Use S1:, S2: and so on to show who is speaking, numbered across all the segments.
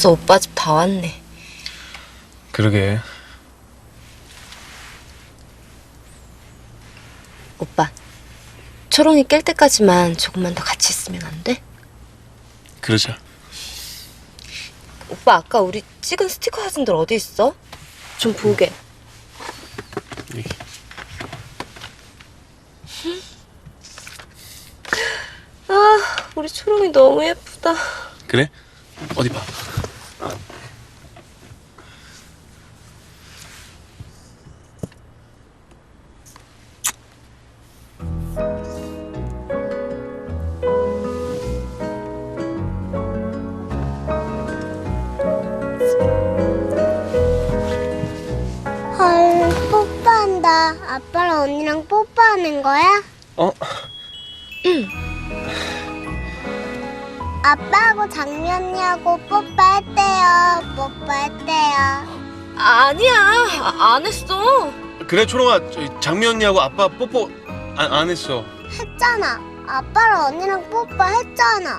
S1: 벌써 오빠 집 다 왔네.
S2: 그러게.
S1: 오빠, 초롱이 깰 때까지만 조금만 더 같이 있으면 안 돼?
S2: 그러자.
S1: 오빠 아까 우리 찍은 스티커 사진들 어디 있어? 좀 보게.
S2: 여기.
S1: 아, 우리 초롱이 너무 예쁘다.
S2: 그래? 어디 봐.
S3: 헐, 뽀뽀한다. 아빠랑 언니랑 뽀뽀하는 거야?
S2: 어?
S3: 아빠하고 장미 언니하고 뽀뽀했대요. 뽀뽀했대요.
S1: 아니야, 안 했어.
S2: 그래 초롱아, 장미 언니하고 아빠 뽀뽀 안 했어.
S3: 했잖아. 아빠랑 언니랑 뽀뽀했잖아.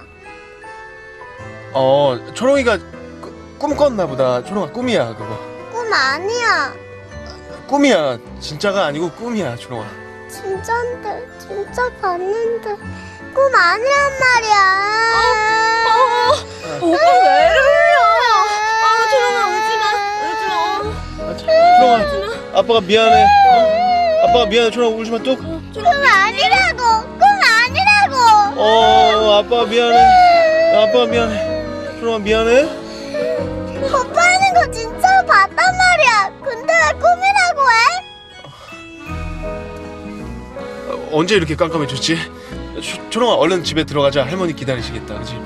S2: 초롱이가 꿈 꿨나 보다. 초롱아 꿈이야 그거.
S3: 꿈 아니야.
S2: 꿈이야. 진짜가 아니고 꿈이야 초롱아.
S3: 진짠데, 진짜 봤는데 꿈 아니란 말이야.
S1: 오빠 왜 이러냐? 아, 초롱아 울지 마.
S2: 초롱아, 아빠가 미안해. 아빠가 미안해. 초롱아 울지 마 뚝.
S3: 꿈 아니라고. 꿈 아니라고.
S2: 아빠가 미안해. 아빠가 미안해. 초롱아 미안해.
S3: 뽀뽀하는 거 진짜로 봤단 말이야. 근데 왜 꿈이라고 해?
S2: 언제 이렇게 깜깜해졌지? 초롱아 얼른 집에 들어가자. 할머니 기다리시겠다. 그치?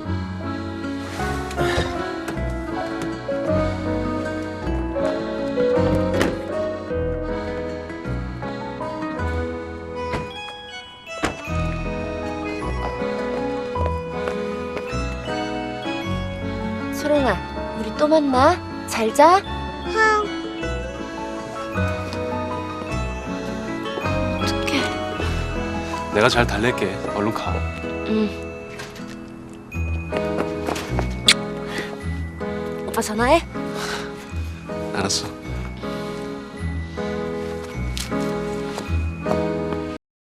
S1: 초롱아, 우리 또 만나. 잘 자. 어떡해.
S2: 내가 잘 달랠게. 얼른 가.
S1: 오빠 전화해.
S2: 알았어.